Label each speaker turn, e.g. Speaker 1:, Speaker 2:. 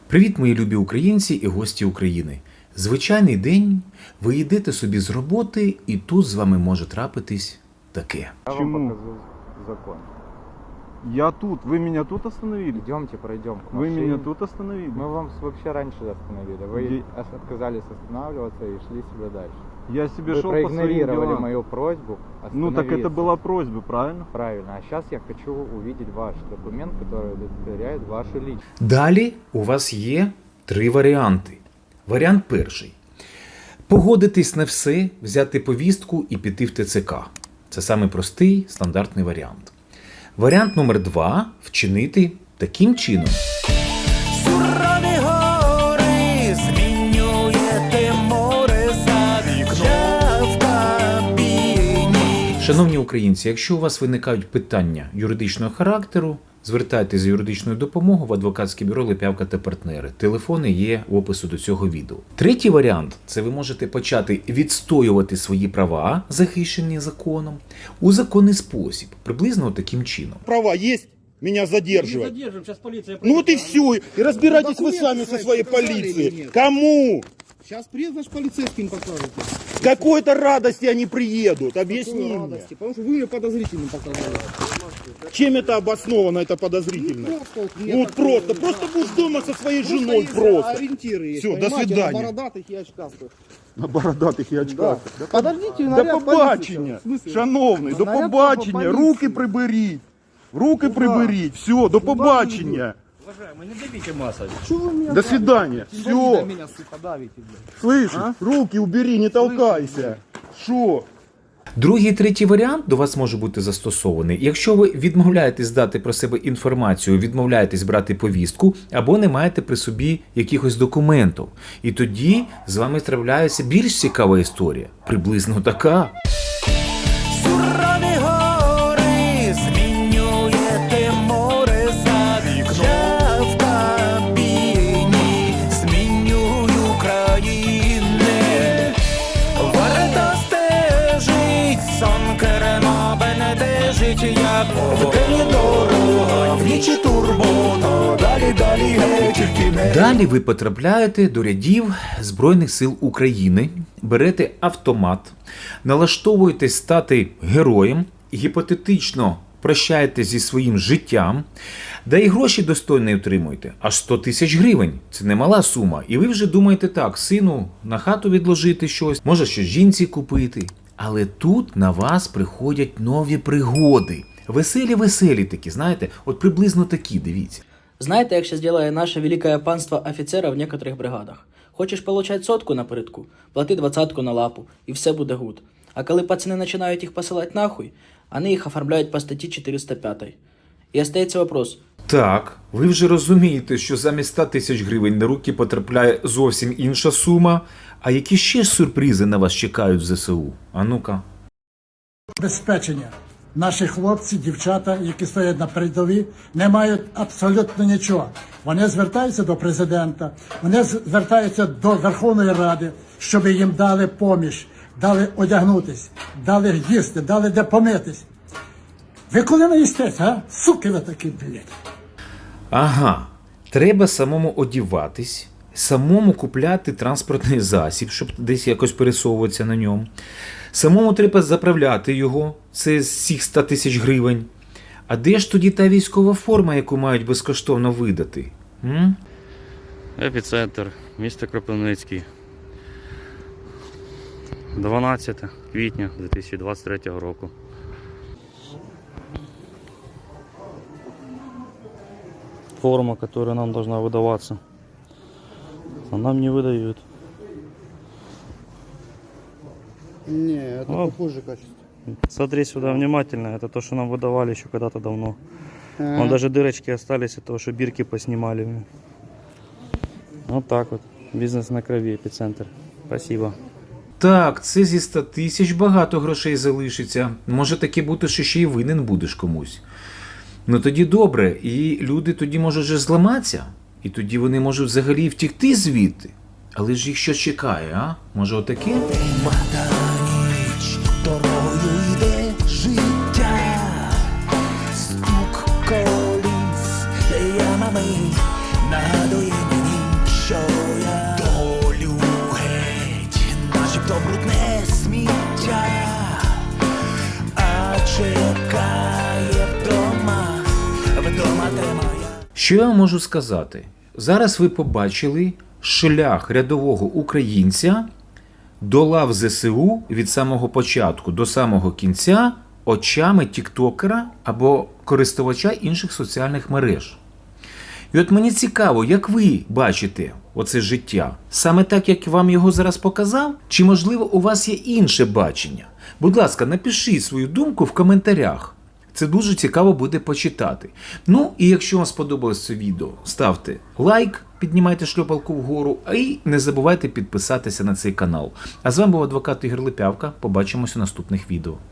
Speaker 1: Привіт, мої любі українці і гості України. Звичайний день, ви йдете собі з роботи, і тут з вами може трапитись таке.
Speaker 2: Я вам
Speaker 3: Почему?
Speaker 2: покажу закон.
Speaker 3: Я тут. Вы меня тут остановили?
Speaker 2: Идемте, пройдем к
Speaker 3: Вы
Speaker 2: машине.
Speaker 3: меня тут остановили?
Speaker 2: Мы вам вообще раньше остановили. Вы
Speaker 3: Где?
Speaker 2: отказались останавливаться и шли себе дальше.
Speaker 3: Я себе
Speaker 2: Вы
Speaker 3: шел по своим
Speaker 2: проигнорировали
Speaker 3: делам.
Speaker 2: мою просьбу
Speaker 3: Ну так это
Speaker 2: остановиться.
Speaker 3: была просьба, правильно?
Speaker 2: Правильно. А сейчас я хочу увидеть ваш документ, который удостоверяет вашу личность.
Speaker 1: Далі у вас є 3 варіанти. Варіант перший. Погодитись на все, взяти повістку і піти в ТЦК. Це самий простий, стандартний варіант. Варіант номер 2 – вчинити таким чином.
Speaker 4: Сурові гори змінюєте море за вікном в кабіні.
Speaker 1: Шановні українці, якщо у вас виникають питання юридичного характеру, звертайтеся за юридичною допомогою в адвокатське бюро Липявка та партнери. Телефони є в опису до цього відео. Третій варіант – це ви можете почати відстоювати свої права, захищені законом, у законний спосіб, приблизно таким чином.
Speaker 5: Права есть меня задерживать?
Speaker 6: Не задержим, сейчас полиция
Speaker 5: Ну вот и
Speaker 6: приедет.
Speaker 5: все. И разбирайтесь вы
Speaker 7: Документы
Speaker 5: сами со
Speaker 7: свои
Speaker 5: своей
Speaker 7: показали или
Speaker 5: полицией.
Speaker 7: нет?
Speaker 5: Кому?
Speaker 7: Сейчас приедут, значит, полицейским покажете.
Speaker 5: Какой-то радости они приедут? Объясни
Speaker 7: Какой
Speaker 5: мне.
Speaker 7: радости, потому что вы мне подозрительным показали.
Speaker 5: Чем это обосновано, это подозрительно?
Speaker 7: Вот мне
Speaker 5: Ну
Speaker 7: так,
Speaker 5: просто будешь дома со своей
Speaker 7: просто
Speaker 5: женой
Speaker 7: есть
Speaker 5: просто.
Speaker 7: ориентиры есть,
Speaker 5: Всё, до
Speaker 7: понимаете,
Speaker 5: свидания.
Speaker 7: на бородатых и очкастых.
Speaker 5: На бородатых и очках.
Speaker 7: Да. Подождите,
Speaker 5: До
Speaker 7: наряд
Speaker 5: побачення,
Speaker 7: полиции. В смысле?
Speaker 5: шановний, до
Speaker 7: Наряд
Speaker 5: побачення,
Speaker 7: полиции.
Speaker 5: руки приберіть. Руки
Speaker 7: Куда?
Speaker 5: приберіть, все, до побачення.
Speaker 6: Уважаемый, не давите массой.
Speaker 7: Что вы меня
Speaker 5: До свидания,
Speaker 7: Инвалида
Speaker 5: все.
Speaker 7: меня, сука, давите, блядь.
Speaker 5: Слышишь, руки убери, не толкайся. Що?
Speaker 1: Другий і третій варіант до вас може бути застосований, якщо ви відмовляєтесь дати про себе інформацію, відмовляєтесь брати повістку, або не маєте при собі якихось документів. І тоді з вами трапляється більш цікава історія, приблизно така.
Speaker 4: Сурові гори змінюєте море за вікном в кабіні. Змінюю країни. Варто стежить, сон керма бенедежить, як вдень дорога, внічі турбота, далі геть тільки не.
Speaker 1: Далі ви потрапляєте до рядів Збройних сил України, берете автомат, налаштовуєтесь стати героєм, гіпотетично прощаєтесь зі своїм життям, да і гроші достойно отримуєте. Аж 100 тисяч гривень. Це немала сума. І ви вже думаєте так, сину, на хату відложити щось, може щось жінці купити. Але тут на вас приходять нові пригоди. Веселі такі, знаєте, от приблизно такі, дивіться.
Speaker 8: Знаєте, як ще зробить наше велике панство офіцера в некоторих бригадах? Хочеш получать сотку напередку, плати 20-ку на лапу, і все буде гуд. А коли пацани починають їх посилати нахуй, вони їх оформляють по статті 405. І остається вопрос.
Speaker 1: Так, ви вже розумієте, що замість 100 тисяч гривень на руки потрапляє зовсім інша сума. А які ще сюрпризи на вас чекають в ЗСУ? А ну-ка.
Speaker 9: Забезпечення. Наші хлопці, дівчата, які стоять на передовій, не мають абсолютно нічого. Вони звертаються до президента, вони звертаються до Верховної Ради, щоб їм дали поміч, дали одягнутись, дали їсти, дали де помитись. Ви коли наїстесь, а? Суки ви такі, блядь.
Speaker 1: Ага, треба самому одіватись, самому купляти транспортний засіб, щоб десь якось пересовуватися на ньому. Самому треба заправляти його, це з цих 100 тисяч гривень. А де ж тоді та військова форма, яку мають безкоштовно видати?
Speaker 10: Епіцентр, місто Кропивницький. 12 квітня 2023 року. Форма, которая нам должна выдаваться, а нам не выдают.
Speaker 7: Не, это
Speaker 10: Ну,
Speaker 7: похуже качество.
Speaker 10: Смотри сюда внимательно, это то, что нам выдавали еще когда-то давно.
Speaker 7: Ага.
Speaker 10: Вон даже дырочки остались от того, что бирки поснимали. Вот так вот. Бизнес на крови, Епицентр. Спасибо.
Speaker 1: Так, це зі 100 тисяч багато грошей залишиться. Може таки бути, що ще й винен будеш комусь. Ну тоді добре, і люди тоді можуть вже зламатися, і тоді вони можуть взагалі втікти звідти. Але ж їх що чекає, а? Може отаке?
Speaker 4: Мата ніч, дорогою йде життя, стук коліс, ямами нагадує мені
Speaker 1: Що я вам можу сказати? Зараз ви побачили шлях рядового українця до лав ЗСУ від самого початку до самого кінця очами тіктокера або користувача інших соціальних мереж. І от мені цікаво, як ви бачите оце життя? Саме так, як вам його зараз показав? Чи, можливо, у вас є інше бачення? Будь ласка, напишіть свою думку в коментарях. Це дуже цікаво буде почитати. Ну, і якщо вам сподобалось це відео, ставте лайк, піднімайте шльопалку вгору, і не забувайте підписатися на цей канал. А з вами був адвокат Ігор Липявка. Побачимось у наступних відео.